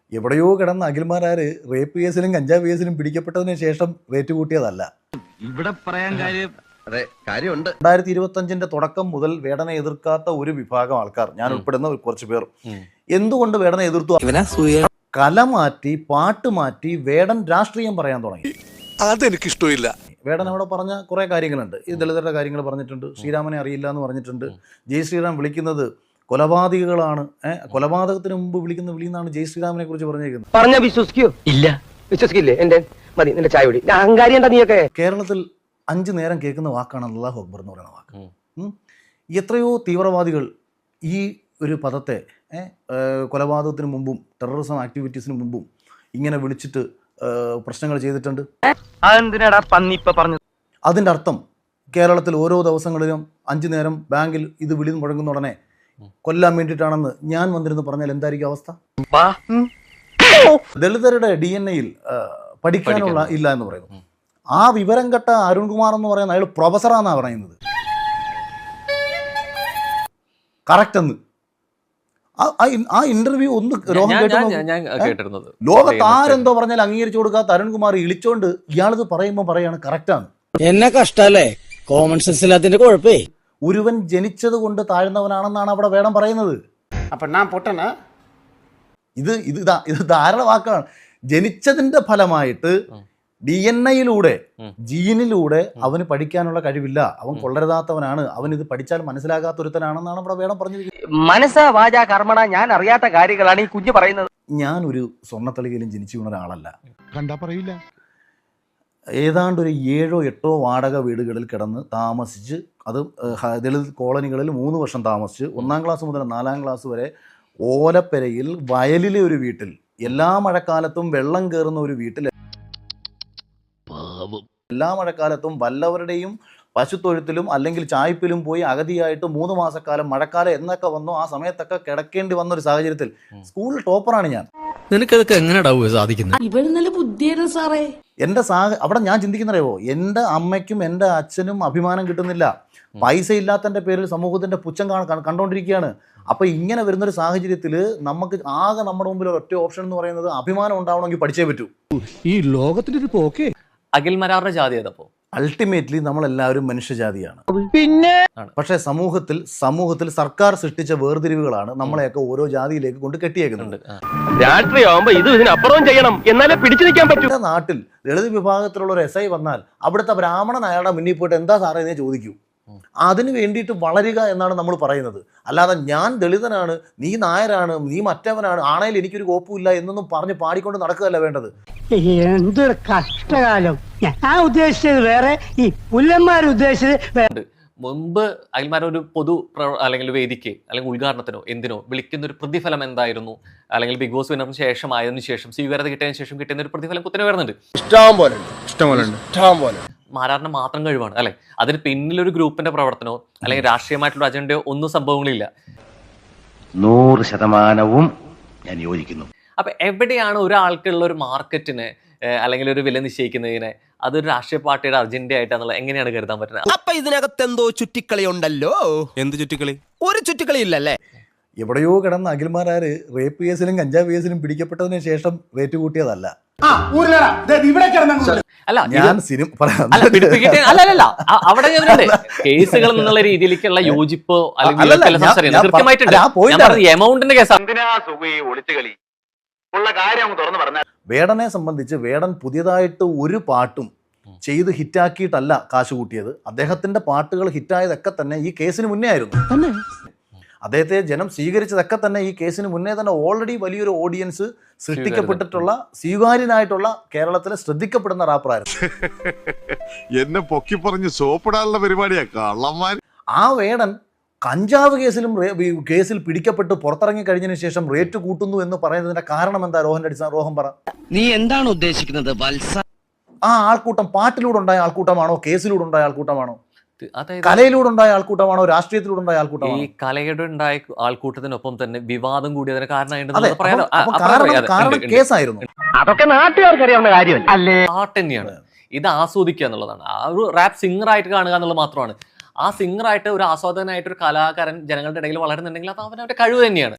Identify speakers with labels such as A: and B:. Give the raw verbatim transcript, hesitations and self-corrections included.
A: എവിടെയോ കിടന്ന അഖിൽമാരാര് റേപ്പ് കേസിലും കഞ്ചാവ് കേസിലും പിടിക്കപ്പെട്ടതിന് ശേഷം റേറ്റ് കൂട്ടിയതല്ല.
B: ഇവിടെ പറയാൻ കാര്യം അതെ കാര്യമുണ്ട്.
A: രണ്ടായിരത്തി ഇരുപത്തി അഞ്ചിന്റെ തുടക്കം മുതൽ വേടനെ എതിർക്കാത്ത ഒരു വിഭാഗം ആൾക്കാർ, ഞാൻ ഉൾപ്പെടുന്ന കുറച്ച് പേർ, എന്തുകൊണ്ട് വേടനെ എതിർത്തു? കല മാറ്റി, പാട്ട് മാറ്റി വേടൻ രാഷ്ട്രീയം പറയാൻ തുടങ്ങി.
C: അതെനിക്കിഷ്ടമില്ല.
A: വേടൻ അവിടെ പറഞ്ഞ കുറെ കാര്യങ്ങളുണ്ട്. ഈ ദളിതരുടെ കാര്യങ്ങൾ പറഞ്ഞിട്ടുണ്ട്, ശ്രീരാമനെ അറിയില്ല എന്ന് പറഞ്ഞിട്ടുണ്ട്. ജയ് ശ്രീറാം വിളിക്കുന്നത് കൊലപാതകികളാണ്, ഏഹ് കൊലപാതകത്തിന് മുമ്പ് വിളിക്കുന്ന വിളിയെന്നാണ് ജയ് ശ്രീറാമിനെ കുറിച്ച് പറഞ്ഞിരിക്കുന്നത്.
D: പറഞ്ഞ വിശ്വസിക്കോ? ഇല്ല, വിശ്വസിക്കില്ലേ? എന്റെ മതി നിന്റെ ചായ കുടി. അഹങ്കാരി എന്താ നീയൊക്കെ?
A: കേരളത്തിൽ അഞ്ചു നേരം കേൾക്കുന്ന വാക്കാണ് അല്ലാഹു അക്ബർ എന്ന് പറയുന്ന വാക്ക്. എത്രയോ തീവ്രവാദികൾ ഈ ഒരു പദത്തെ കൊലപാതകത്തിന് മുമ്പും ടെററിസം ആക്ടിവിറ്റീസിന് മുമ്പും ഇങ്ങനെ വിളിച്ചിട്ട് പ്രശ്നങ്ങൾ ചെയ്തിട്ടുണ്ട്. അതിൻ്റെ അർത്ഥം കേരളത്തിൽ ഓരോ ദിവസങ്ങളിലും അഞ്ചു നേരം ബാങ്കിൽ ഇത് വിളി മുഴങ്ങുന്ന ഉടനെ കൊല്ലാൻ വേണ്ടിയിട്ടാണെന്ന് ഞാൻ വന്നിരുന്നു പറഞ്ഞാൽ എന്തായിരിക്കും അവസ്ഥ? ദളിതരുടെ ഡി എൻ എയിൽ പഠിക്കാനുള്ള ഇല്ല എന്ന് പറയുന്നു. ആ വിവരം കെട്ട അരുൺകുമാർ എന്ന് പറയുന്ന അയാൾ പ്രൊഫസറാന്നാ പറയുന്നത്. കറക്റ്റ് എന്ന് ആ ഇന്റർവ്യൂ ഒന്ന് രോഹൻ കേട്ടിരുന്നത്. ലോകത്ത് ആരെന്തോ പറഞ്ഞാൽ അംഗീകരിച്ചു കൊടുക്കാത്ത അരുൺകുമാർ ഇളിച്ചോണ്ട് ഇയാളിത് പറയുമ്പോൾ പറയാണ് കറക്റ്റാണ്.
E: എന്നെ കഷ്ടല്ലേ, കോമൺ സെൻസ് ഇല്ലാത്തതിന്റെ കുഴപ്പേ.
A: ഒരുവൻ ജനിച്ചത് കൊണ്ട് താഴ്ന്നവനാണെന്നാണ് അവിടെ വേടൻ പറയുന്നത്.
E: അപ്പൊ ഞാൻ പൊട്ടന
A: ഇത് ഇത് ഇത് ധാരണ വാക്കാണ്. ജനിച്ചതിന്റെ ഫലമായിട്ട് ഡി എൻ എയിലൂടെ ജീനിലൂടെ അവന് പഠിക്കാനുള്ള കഴിവില്ല, അവൻ കൊള്ളരുതാത്തവനാണ്, അവൻ ഇത് പഠിച്ചാൽ മനസ്സിലാകാത്തൊരുത്തനാണെന്നാണ് ഇവിടെ വേടൻ പറഞ്ഞിരിക്കുന്നത്.
D: മനസ്സാ വാചാ കർമ്മണ, ഞാൻ അറിയാത്ത കാര്യങ്ങളാണ് ഈ കുഞ്ഞു പറയുന്നത്.
A: ഞാൻ ഒരു സ്വർണ്ണത്തളികയിലും ജനിച്ചു വീണ ഒരാളല്ല.
C: കണ്ടാ പറയില്ല.
A: ഏതാണ്ട് ഒരു ഏഴോ എട്ടോ വാടക വീടുകളിൽ കിടന്ന് താമസിച്ച്, അത് ദളിത് കോളനികളിൽ മൂന്ന് വർഷം താമസിച്ച്, ഒന്നാം ക്ലാസ് മുതൽ നാലാം ക്ലാസ് വരെ ഓലപ്പെരയിൽ വയലിലെ ഒരു വീട്ടിൽ, എല്ലാ മഴക്കാലത്തും വെള്ളം കയറുന്ന ഒരു വീട്ടിൽ, എല്ലാ മഴക്കാലത്തും വല്ലവരുടെയും പശുത്തൊഴുത്തിലും അല്ലെങ്കിൽ ചായ്പിലും പോയി അഗതിയായിട്ട് മൂന്ന് മാസക്കാലം മഴക്കാലം എന്നൊക്കെ വന്നു ആ സമയത്തൊക്കെ കിടക്കേണ്ടി വന്ന ഒരു സാഹചര്യത്തിൽ സ്കൂൾ ടോപ്പറാണ് ഞാൻ.
E: നിനക്കതൊക്കെ എങ്ങനെയാ സാധിക്കുന്നത്?
F: ഇവര് നല്ല ബുദ്ധിയായിരുന്നു സാറേ.
A: എന്റെ സാഹ അവിടെ ഞാൻ ചിന്തിക്കുന്നറിയോ, എൻ്റെ അമ്മയ്ക്കും എൻ്റെ അച്ഛനും അഭിമാനം കിട്ടുന്നില്ല, പൈസ ഇല്ലാത്തതിന്റെ പേരിൽ സമൂഹത്തിന്റെ പുച്ഛം കണ്ടുകൊണ്ടിരിക്കുകയാണ്. അപ്പൊ ഇങ്ങനെ വരുന്നൊരു സാഹചര്യത്തിൽ നമുക്ക് ആകെ നമ്മുടെ മുമ്പിൽ ഒറ്റ ഓപ്ഷൻ എന്ന് പറയുന്നത് അഭിമാനം ഉണ്ടാവണമെങ്കിൽ പഠിച്ചേ പറ്റൂ.
C: ഈ ലോകത്തിന്റെ ഒരു പോക്കേ.
G: അഖിൽമാരാരുടെ ജാതി ഏതപ്പോ?
A: അൾട്ടിമേറ്റ്ലി നമ്മളെല്ലാവരും മനുഷ്യജാതിയാണ്.
D: പിന്നെ
A: പക്ഷെ സമൂഹത്തിൽ സമൂഹത്തിൽ സർക്കാർ സൃഷ്ടിച്ച വേർതിരിവുകളാണ് നമ്മളെയൊക്കെ ഓരോ ജാതിയിലേക്ക് കൊണ്ട് കെട്ടിയേക്കുന്നത്.
D: രാത്രിയാവുമ്പോ ഇത് ഇതിനപ്പുറം ചെയ്യണം, എന്നാലേ പിടിച്ചു നിൽക്കാൻ പറ്റും.
A: നാട്ടിൽ ദളിത് വിഭാഗത്തിലുള്ള ഒരു എസ് ഐ വന്നാൽ അവിടുത്തെ ബ്രാഹ്മണൻ അയാളുടെ മുന്നിൽ പോയിട്ട് എന്താ സാറേ എന്ന് ചോദിക്കൂ. അതിന് വേണ്ടിയിട്ട് വളരുക എന്നാണ് നമ്മൾ പറയുന്നത്. അല്ലാതെ ഞാൻ ദളിതനാണ്, നീ നായരാണ്, നീ മറ്റവനാണ്, ആണേൽ എനിക്കൊരു കോപ്പുമില്ല എന്നൊന്നും പറഞ്ഞ് പാടിക്കൊണ്ട് നടക്കുകയല്ല വേണ്ടത്.
H: എന്തൊരു കഷ്ടകാലം. ഞാൻ ഉദ്ദേശിച്ചത് വേറെ, ഈ പുല്ലന്മാർ ഉദ്ദേശിച്ചത്.
G: മുമ്പ് അഖിൽമാർ ഒരു പൊതു അല്ലെങ്കിൽ വേദിക്ക് അല്ലെങ്കിൽ ഉദ്ഘാടനത്തിനോ എന്തിനോ വിളിക്കുന്ന ഒരു പ്രതിഫലം എന്തായിരുന്നു? അല്ലെങ്കിൽ ബിഗ് ബോസ് വിന്നറിന് ശേഷം ആയതിനു ശേഷം സ്വീകാര്യത കിട്ടിയതിനു ശേഷം കിട്ടുന്ന ഒരു പ്രതിഫലം കുത്തനെ വരുന്നുണ്ട്.
E: ഇഷ്ടം പോലെ ഇഷ്ടം പോലെ ഇഷ്ടം പോലെ
G: മാരാറിന് മാത്രം കഴിവാണ് അല്ലെ? അതിന് പിന്നിലൊരു ഗ്രൂപ്പിന്റെ പ്രവർത്തനമോ അല്ലെങ്കിൽ രാഷ്ട്രീയമായിട്ടുള്ള അജണ്ടയോ ഒന്നും സംഭവങ്ങളില്ല.
B: നൂറ് ശതമാനവും ഞാൻ യോജിക്കുന്നു.
G: അപ്പൊ എവിടെയാണ് ഒരാൾക്കുള്ള ഒരു മാർക്കറ്റിനെ അല്ലെങ്കിൽ ഒരു വില നിശ്ചയിക്കുന്നതിനെ അതൊരു രാഷ്ട്രീയ പാർട്ടിയുടെ അജണ്ട ആയിട്ടാന്നുള്ള എങ്ങനെയാണ് കരുതാൻ പറ്റുന്നത്?
I: അപ്പൊ ഇതിനകത്ത് എന്തോ ചുറ്റിക്കളി ഉണ്ടല്ലോ. എന്ത് ചുറ്റിക്കളി? ഒരു ചുറ്റിക്കളി ഇല്ലല്ലേ.
A: എവിടെയോ കിടന്ന അഖിൽമാരാര് റേപ്പ് കേസിലും കഞ്ചാവ് കേസിലും പിടിക്കപ്പെട്ടതിന് ശേഷം റേറ്റ് കൂട്ടിയതല്ല.
G: അല്ല
A: ഞാൻ സിനിമ
G: അല്ലല്ല അവിടെ കേസുകൾ എന്നുള്ള രീതിയിലേക്കുള്ള യോജിപ്പോ അല്ലെങ്കിൽ കൃത്യമായിട്ടുണ്ട് എമൗണ്ടിന്റെ കേസ്.
A: വേടനെ സംബന്ധിച്ച് വേടൻ പുതിയതായിട്ട് ഒരു പാട്ടും ചെയ്ത് ഹിറ്റാക്കിയിട്ടല്ല കാശ് കൂട്ടിയത്. അദ്ദേഹത്തിന്റെ പാട്ടുകൾ ഹിറ്റായതൊക്കെ തന്നെ ഈ കേസിന് മുന്നേ ആയിരുന്നു. അദ്ദേഹത്തെ ജനം സ്വീകരിച്ചതൊക്കെ തന്നെ ഈ കേസിന് മുന്നേ തന്നെ ഓൾറെഡി വലിയൊരു ഓഡിയൻസ് സൃഷ്ടിക്കപ്പെട്ടിട്ടുള്ള സ്വീകാര്യനായിട്ടുള്ള കേരളത്തിലെ ശ്രദ്ധിക്കപ്പെടുന്ന റാപ്പറായിരുന്നു.
C: എന്നെ പൊക്കി പറഞ്ഞ് സോപ്പിടാനുള്ള പരിപാടിയാ കള്ളന്മാർ.
A: ആ വേടൻ കഞ്ചാവ് കേസിലും കേസിൽ പിടിക്കപ്പെട്ട് പുറത്തിറങ്ങി കഴിഞ്ഞതിന് ശേഷം റേറ്റ് കൂട്ടുന്നു എന്ന് പറയുന്നതിന്റെ കാരണം എന്താ? രോഹന്റെ അടിസ്ഥാന രോഹൻ പറ.
E: നീ എന്താണ് ഉദ്ദേശിക്കുന്നത് വത്സ?
A: ആ ആൾക്കൂട്ടം പാട്ടിലൂടെ ഉണ്ടായ ആൾക്കൂട്ടമാണോ, കേസിലൂടെ ഉണ്ടായ ആൾക്കൂട്ടമാണോ, കലയിലൂടെ ഉണ്ടായ ആൾക്കൂട്ടമാണോ, രാഷ്ട്രീയത്തിലൂടെ ഉണ്ടായ ആൾക്കൂട്ടമാണോ?
G: ഈ കലയുടെ ഉണ്ടായ ആൾക്കൂട്ടത്തിനൊപ്പം തന്നെ വിവാദം കൂടി അതിന് കാരണമായിരുന്നു.
A: കേസായിരുന്നു.
D: അതൊക്കെ നാട്ടുകാർക്ക് അറിയാവുന്ന കാര്യം അല്ലേ.
G: പാട്ട് തന്നെയാണ് ഇത്, ആസ്വദിക്കുക എന്നുള്ളതാണ്. ആ ഒരു റാപ്പ് സിംഗർ ആയിട്ട് കാണുക എന്നുള്ളത് മാത്രമാണ്. ആ സിംഗറായിട്ട് ഒരു ആസ്വാദകനായിട്ട് ഒരു കലാകാരൻ ജനങ്ങളുടെ ഇടയിൽ വളരുന്നുണ്ടെങ്കിൽ അത് അവനവന്റെ കഴിവ് തന്നെയാണ്.